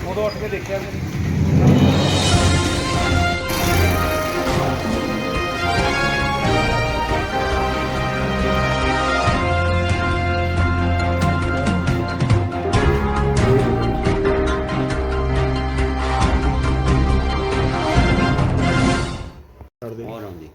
ਉਦੋਂ ਉੱਠ ਕੇ ਦੇਖਿਆ ਜੀ। और आंदी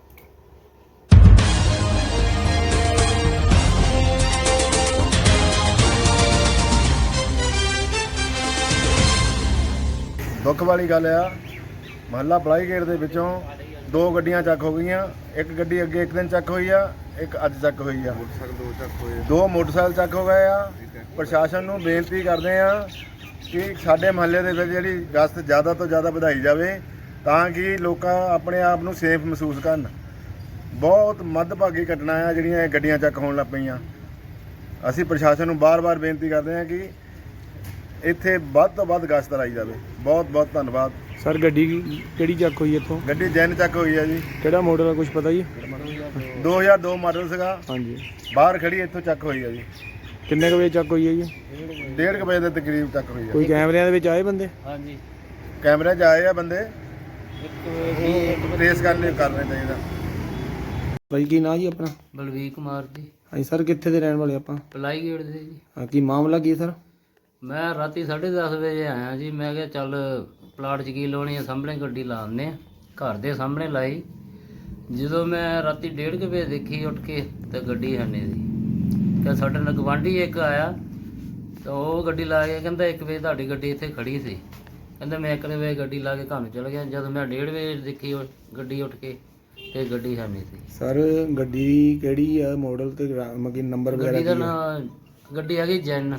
ਦੁੱਖ ਵਾਲੀ ਗੱਲ ਆ, ਮਹੱਲਾ ਪਲਾਈ ਗੇਟ ਦੇ ਵਿੱਚੋਂ 2 ਗੱਡੀਆਂ ਚੱਕ ਹੋ ਗਈਆਂ। ਇੱਕ ਗੱਡੀ ਅੱਗੇ ਇੱਕ ਦਿਨ ਚੱਕ ਹੋਈ ਆ, ਇੱਕ ਅੱਜ ਚੱਕ ਹੋਈ ਆ। ਦੋ ਮੋਟਰਸਾਈਕਲ ਚੱਕ ਹੋ ਗਏ ਆ। ਪ੍ਰਸ਼ਾਸਨ ਨੂੰ ਬੇਨਤੀ ਕਰਦੇ ਆ ਕਿ ਸਾਡੇ ਮਹੱਲੇ ਦੇ ਵਿੱਚ ਜਿਹੜੀ ਗਸ਼ਤ ਜ਼ਿਆਦਾ ਤੋਂ ਜ਼ਿਆਦਾ ਵਧਾਈ ਜਾਵੇ ਤਾਂ ਕਿ ਲੋਕ ਆਪਣੇ ਆਪ ਨੂੰ ਸੇਫ ਮਹਿਸੂਸ ਕਰਨ। ਬਹੁਤ ਮੱਧਭਾਗੀ ਘਟਨਾ ਆ ਜਿਹੜੀਆਂ ਇਹ ਗੱਡੀਆਂ ਚੱਕ ਹੋਣ ਲੱਗ ਪਈਆਂ। ਅਸੀਂ ਪ੍ਰਸ਼ਾਸਨ ਨੂੰ ਬਾਰ-ਬਾਰ ਬੇਨਤੀ ਕਰਦੇ ਹਾਂ ਕਿ ਇੱਥੇ ਵੱਧ ਤੋਂ ਵੱਧ ਗਸ਼ਤ ਲਾਈ ਜਾਵੇ। ਬਹੁਤ ਬਹੁਤ ਧੰਨਵਾਦ ਸਰ ਗੱਡੀ ਕਿਹੜੀ ਚੱਕ ਹੋਈ ਇੱਥੋਂ? ਗੱਡੀ ਜੈਨ ਚੱਕ ਹੋਈ ਆ ਜੀ। ਕਿਹੜਾ ਮਾਡਲ ਆ, ਕੁਝ ਪਤਾ ਜੀ? 2002 ਮਾਡਲ ਸੀਗਾ। ਹਾਂਜੀ। ਬਾਹਰ ਖੜੀ ਇੱਥੋਂ ਚੱਕ ਹੋਈ ਆ ਜੀ। ਕਿੰਨੇ ਕੁ ਵਜੇ ਚੱਕ ਹੋਈ ਹੈ ਜੀ? 1:30 ਵਜੇ ਦੇ ਤਕਰੀਬ ਚੱਕ ਹੋਈ ਆ। ਕੋਈ ਕੈਮਰਿਆਂ ਦੇ ਵਿੱਚ ਆਏ ਬੰਦੇ? ਹਾਂਜੀ ਕੈਮਰੇ 'ਚ ਆਏ ਆ ਬੰਦੇ, ਟ੍ਰੇਸ ਕਰਨੇ ਚਾਹੀਦਾ। ਭਾਈ ਕੀ ਨਾਂ ਜੀ ਆਪਣਾ? ਬਲਵੀਰ ਕੁਮਾਰ ਜੀ, ਹਾਂਜੀ ਸਰ, ਕਿੱਥੇ ਦੇ ਰਹਿਣ ਵਾਲੇ ਆਪਾਂ? ਪਲਾਈ ਗੇਟ ਦੇ ਜੀ। ਹਾਂ, ਕੀ ਮਾਮਲਾ ਕੀ ਸਰ? ਮੈਂ ਰਾਤੀ 10:30 ਵਜੇ ਆਇਆ ਜੀ। ਮੈਂ ਕਿਹਾ ਚੱਲ ਪਲਾਟ 'ਚ ਕੀ ਲਾਉਣੀ ਆ, ਸਾਹਮਣੇ ਗੱਡੀ ਲਾ ਦਿੰਦੇ ਆ। ਘਰ ਦੇ ਸਾਹਮਣੇ ਲਾਈ। ਜਦੋਂ ਮੈਂ ਰਾਤੀ 1:30 ਵਜੇ ਦੇਖੀ ਉੱਠ ਕੇ ਤਾਂ ਗੱਡੀ ਹੈ ਨਹੀਂ ਸੀ। ਕਿ ਸਾਡੇ ਨਾਲ ਗਵਾਂਢੀ ਇੱਕ ਆਇਆ ਤਾਂ ਉਹ ਗੱਡੀ ਲਾ ਕੇ ਕਹਿੰਦਾ 1 ਵਜੇ ਤੁਹਾਡੀ ਗੱਡੀ ਇੱਥੇ ਖੜੀ ਸੀ। ਕਹਿੰਦਾ ਮੈਂ 1 ਵਜੇ ਗੱਡੀ ਲਾ ਕੇ ਘਰ ਨੂੰ ਚਲ ਗਿਆ। ਜਦੋਂ ਮੈਂ 1:30 ਵਜੇ ਦੇਖੀ ਗੱਡੀ ਉੱਠ ਕੇ ਤੇ ਗੱਡੀ ਹੈ ਨਹੀਂ ਸੀ। ਸਰ ਗੱਡੀ ਕਿਹੜੀ ਆ, ਮਾਡਲ ਤੇ ਮਤਲਬ ਨੰਬਰ ਵਗੈਰਾ ਗੱਡੀ ਦਾ ਕੀ ਆ? ਨਾਂ ਗੱਡੀ ਹੈਗੀ ਜੈਨ,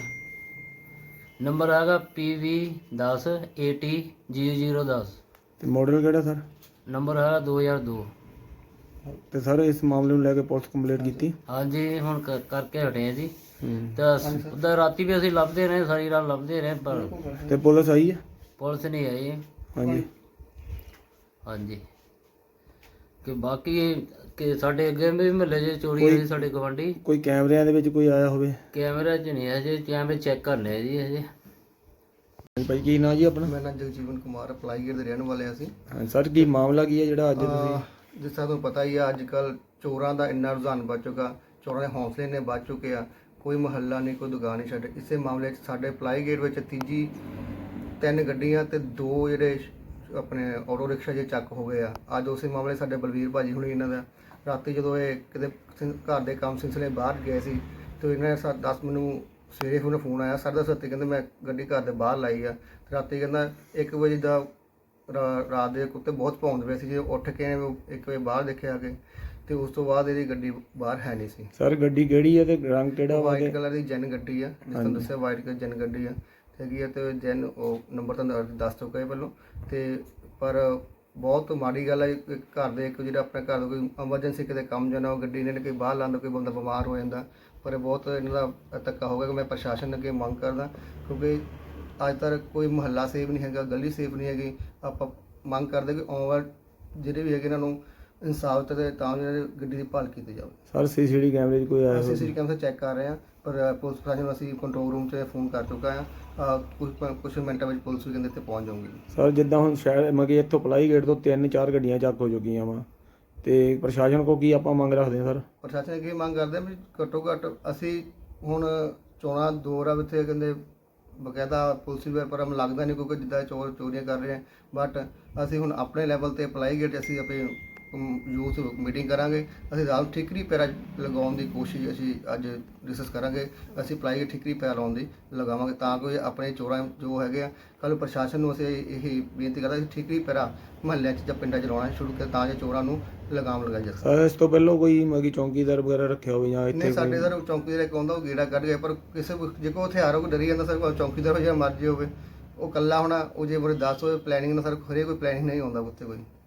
ਨੰਬਰ ਹੈਗਾ PV10 AT0010 ਤੇ ਮਾਡਲ ਕਿਹੜਾ ਸਰ? ਨੰਬਰ ਹੈ 2002। ਤੇ ਸਰ ਇਸ ਮਾਮਲੇ ਨੂੰ ਲੈ ਕੇ ਪੁਲਿਸ ਕੰਪਲੇਂਟ ਕੀਤੀ? ਹਾਂਜੀ ਹੁਣ ਕਰਕੇ ਹਟੇ ਆ ਜੀ। ਹੂੰ। ਤਾਂ ਉਹਦਾ ਰਾਤੀ ਵੀ ਅਸੀਂ ਲੱਭਦੇ ਰਹੇ, ਸਾਰੀ ਰਾਤ ਲੱਭਦੇ ਰਹੇ, ਪਰ ਤੇ ਪੁਲਿਸ ਆਈ ਹੈ? ਪੁਲਿਸ ਨਹੀਂ ਆਈ। ਹਾਂਜੀ। ਹਾਂਜੀ ਕਿ ਬਾਕੀ ਕਿ ਸਾਡੇ ਅੱਗੇ ਵੀ ਮਹੱਲੇ 'ਚ ਚੋਰੀ ਹੋਈ, ਸਾਡੇ ਗਵਾਂਢੀ। ਕੋਈ ਕੈਮਰਿਆਂ ਦੇ ਵਿੱਚ ਕੋਈ ਆਇਆ ਹੋਵੇ? ਕੈਮਰਾ 'ਚ ਨਹੀਂ ਹਜੇ, ਕੈਮਰੇ ਚੈੱਕ ਕਰ ਲਏ ਜੀ ਹਜੇ। ਹਾਂਜੀ ਭਾਈ ਕੀ ਨਾਂ ਜੀ ਆਪਣਾ? ਮੇਰਾ ਨਾਮ ਜਗਜੀਵਨ ਕੁਮਾਰ, ਪਲਾਈ ਗੇਟ ਦੇ ਰਹਿਣ ਵਾਲੇ ਅਸੀਂ। ਹਾਂ ਸਰ, ਕੀ ਮਾਮਲਾ ਕੀ ਹੈ ਜਿਹੜਾ ਅੱਜ ਤੁਸੀਂ? ਜਿਸ ਤਰ੍ਹਾਂ ਤੁਹਾਨੂੰ ਪਤਾ ਹੀ ਆ, ਅੱਜ ਕੱਲ ਚੋਰਾਂ ਦਾ ਇੰਨਾ ਰੁਝਾਨ ਵੱਧ ਚੁੱਕਾ, ਚੋਰਾਂ ਦੇ ਹੌਸਲੇ ਨੇ ਵੱਧ ਚੁੱਕੇ ਆ। ਕੋਈ ਮੁਹੱਲਾ ਨਹੀਂ, ਕੋਈ ਦੁਕਾਨ ਨਹੀਂ ਛੱਡ। ਇਸੇ ਮਾਮਲੇ 'ਚ ਸਾਡੇ ਪਲਾਈ ਗੇਟ ਵਿੱਚ 3 ਗੱਡੀਆਂ ਤੇ 2 ਜਿਹੜੇ ਆਪਣੇ ਆਟੋ ਰਿਕਸ਼ਾ ਜੇ ਚੱਕ ਹੋ ਗਏ ਆ। ਅੱਜ ਉਸੇ ਮਾਮਲੇ ਸਾਡੇ ਬਲਵੀਰ ਭਾਜੀ ਹੁਣੀ ਇਹਨਾਂ ਦਾ ਰਾਤੀ ਜਦੋਂ ਇਹ ਕਿਤੇ ਘਰ ਦੇ ਕੰਮ ਸਿਲਸਿਲੇ ਬਾਹਰ ਗਏ ਸੀ ਤੇ ਇਹਨਾਂ ਨੇ 10 ਮੈਨੂੰ ਸਵੇਰੇ ਉਹਨੂੰ ਫੋਨ ਆਇਆ 10:30 ਕਹਿੰਦੇ ਮੈਂ ਗੱਡੀ ਘਰ ਦੇ ਬਾਹਰ ਲਾਈ ਆ। ਰਾਤੀ ਕਹਿੰਦਾ 1 ਵਜੇ ਦਾ ਰਾਤ ਦੇ ਕੁੱਤੇ ਬਹੁਤ ਭੌਂਕਦੇ ਪਏ ਸੀ। ਜੇ ਉੱਠ ਕੇ 1 ਵਜੇ ਬਾਹਰ ਦੇਖਿਆ ਕਿ ਤੇ ਉਸ ਤੋਂ ਬਾਅਦ ਇਹਦੀ ਗੱਡੀ ਬਾਹਰ ਹੈ ਨਹੀਂ ਸੀ। ਸਰ ਗੱਡੀ ਕਿਹੜੀ ਹੈ ਤੇ ਰੰਗ ਕਿਹੜਾ ਵਾ? ਵਾਈਟ ਕਲਰ ਦੀ ਜੈਨ ਗੱਡੀ ਆ, ਜਿਸ ਤਰ੍ਹਾਂ ਦੱਸਿਆ ਵਾਈਟ ਕਲਰ ਜੈਨ ਗੱਡੀ ਆ ਹੈਗੀ ਆ। ਤੇ ਜੈਨ ਉਹ ਨੰਬਰ ਤਾਂ ਦੱਸ ਚੁੱਕਾ ਹੈ ਪਹਿਲਾਂ। ਤੇ ਪਰ ਬਹੁਤ ਮਾੜੀ ਗੱਲ ਹੈ ਘਰ ਦੇ ਇੱਕ ਜਿਹੜਾ ਆਪਣੇ ਘਰ ਦਾ ਕੋਈ ਐਮਰਜੈਂਸੀ ਕਿਤੇ ਕੰਮ ਜਾਣਾ, ਉਹ ਗੱਡੀ ਇਹਨਾਂ ਨੇ ਕੋਈ ਬਾਹਰ ਲਾਉਂਦਾ, ਕੋਈ ਬੰਦਾ ਬਿਮਾਰ ਹੋ ਜਾਂਦਾ। ਪਰ ਬਹੁਤ ਇਹਨਾਂ ਦਾ ਧੱਕਾ ਹੋ ਗਿਆ ਕਿ ਮੈਂ ਪ੍ਰਸ਼ਾਸਨ ਅੱਗੇ ਮੰਗ ਕਰਦਾ, ਕਿਉਂਕਿ ਅੱਜ ਤੱਕ ਕੋਈ ਮੁਹੱਲਾ ਸੇਫ ਨਹੀਂ ਹੈਗਾ, ਗਲੀ ਸੇਫ ਨਹੀਂ ਹੈਗੀ। ਆਪਾਂ ਮੰਗ ਕਰਦੇ ਕਿ ਆਉਣ ਵਾਲੇ ਜਿਹੜੇ ਵੀ ਹੈਗੇ ਇਹਨਾਂ ਨੂੰ ਇਨਸਾਫ ਤੇ ਤਾਂ ਇਹਨਾਂ ਦੀ ਗੱਡੀ ਦੀ ਭਾਲ ਕੀਤੀ ਜਾਵੇ। ਸਰ ਸੀਸੀਟੀਵੀ ਕੈਮਰੇ 'ਚ ਕੋਈ ਆਇਆ ਅਸੀਂ ਹੋਵੇ? ਸੀਸੀਟੀਵੀ ਕੈਮਰਾ ਚੈੱਕ ਕਰ ਰਹੇ ਹਾਂ, ਪਰ ਪੁਲਿਸ ਪ੍ਰਸ਼ਾਸਨ ਨੂੰ ਅਸੀਂ ਕੰਟਰੋਲ ਰੂਮ 'ਚ ਫੋਨ ਕਰ ਚੁੱਕਾ ਹਾਂ। ਕੁਝ ਮਿੰਟਾਂ ਵਿੱਚ ਪੁਲਿਸ ਵੀ ਕਹਿੰਦੇ ਇੱਥੇ ਪਹੁੰਚ ਜਾਊਗੀ। ਸਰ ਜਿੱਦਾਂ ਹੁਣ ਸ਼ਹਿਰ ਮਤਲਬ ਇੱਥੋਂ ਪਲਾਈ ਗੇਟ ਤੋਂ 3-4 ਗੱਡੀਆਂ ਚੱਕ ਹੋ ਚੁੱਕੀਆਂ ਵਾ, ਤੇ ਪ੍ਰਸ਼ਾਸਨ ਕੋ ਕੀ ਆਪਾਂ ਮੰਗ ਰੱਖਦੇ ਹਾਂ ਸਰ? ਪ੍ਰਸ਼ਾਸਨ ਅੱਗੇ ਮੰਗ ਕਰਦੇ ਵੀ ਘੱਟੋ ਘੱਟ ਅਸੀਂ ਹੁਣ ਚੋਣਾਂ ਦੌਰ ਆ, ਇੱਥੇ ਕਹਿੰਦੇ ਬਕਾਇਦਾ ਪੁਲਿਸ ਵੀ ਪਰ ਲੱਗਦਾ ਨਹੀਂ ਕਿਉਂਕਿ ਜਿੱਦਾਂ ਚੋਰੀਆਂ ਕਰ ਰਹੇ ਆ। ਬਟ ਅਸੀਂ ਹੁਣ ਆਪਣੇ ਲੈਵਲ ਤੇ ਪਲਾਈ ਗੇਟ ਅਸੀਂ ਆਪਣੇ ਯੂਥ ਮੀਟਿੰਗ ਕਰਾਂਗੇ। ਅਸੀਂ ਰਾਤ ਠਿਕਰੀ ਪੈਰਾ ਲਗਾਉਣ ਦੀ ਕੋਸ਼ਿਸ਼ ਅਸੀਂ ਅੱਜ ਡਿਸਕਸ ਕਰਾਂਗੇ। ਅਸੀਂ ਪਲਾਈ ਗੇਟ ਠਿਕਰੀ ਪੈਰਾ ਲਾਉਣ ਦੀ ਲਗਾਵਾਂਗੇ ਤਾਂ ਕਿ ਆਪਣੇ ਚੋਰਾਂ ਜੋ ਹੈਗੇ ਆ ਕੱਲ੍ਹ ਪ੍ਰਸ਼ਾਸਨ ਨੂੰ ਅਸੀਂ ਇਹ ਬੇਨਤੀ ਕਰਦਾ ਕਿ ਠਿਕਰੀ ਪੈਰਾ ਮੁਹੱਲਿਆਂ 'ਚ ਜਾਂ ਪਿੰਡਾਂ 'ਚ ਲਾਉਣਾ ਸ਼ੁਰੂ ਕਰ ਤਾਂ ਜੋ ਚੋਰਾਂ ਨੂੰ ਲਗਾਮ ਲਗਾਈ ਜਾ ਸਕੇ। ਸਰ ਇਸ ਤੋਂ ਪਹਿਲਾਂ ਕੋਈ ਮਤਲਬ ਚੌਂਕੀਦਾਰ ਵਗੈਰਾ ਰੱਖਿਆ ਹੋਵੇ ਜਾਂ ਇੱਥੇ? ਨਹੀਂ, ਸਾਡੇ ਸਰ ਚੌਂਕੀਦਾਰ ਇੱਕ ਆਉਂਦਾ, ਉਹ ਗੇੜਾ ਕੱਢ ਗਿਆ, ਪਰ ਕਿਸੇ ਜੇ ਕੋਈ ਹਥਿਆਰ ਹੋ ਡਰੀ ਜਾਂਦਾ ਸਰ, ਚੌਂਕੀਦਾਰ ਹੋ ਜਾਂ ਮਰਜ਼ੀ ਹੋਵੇ ਉਹ ਇਕੱਲਾ ਹੋਣਾ, ਉਹ ਜੇ ਬੜੇ 10 ਹੋਵੇ ਪਲੈਨਿੰਗ ਨਾਲ ਸਰ, ਹਰੇ ਕੋਈ ਪਲੈਨਿੰਗ ਨਹੀਂ ਆਉਂਦਾ ਉੱਥੇ ਕੋਈ।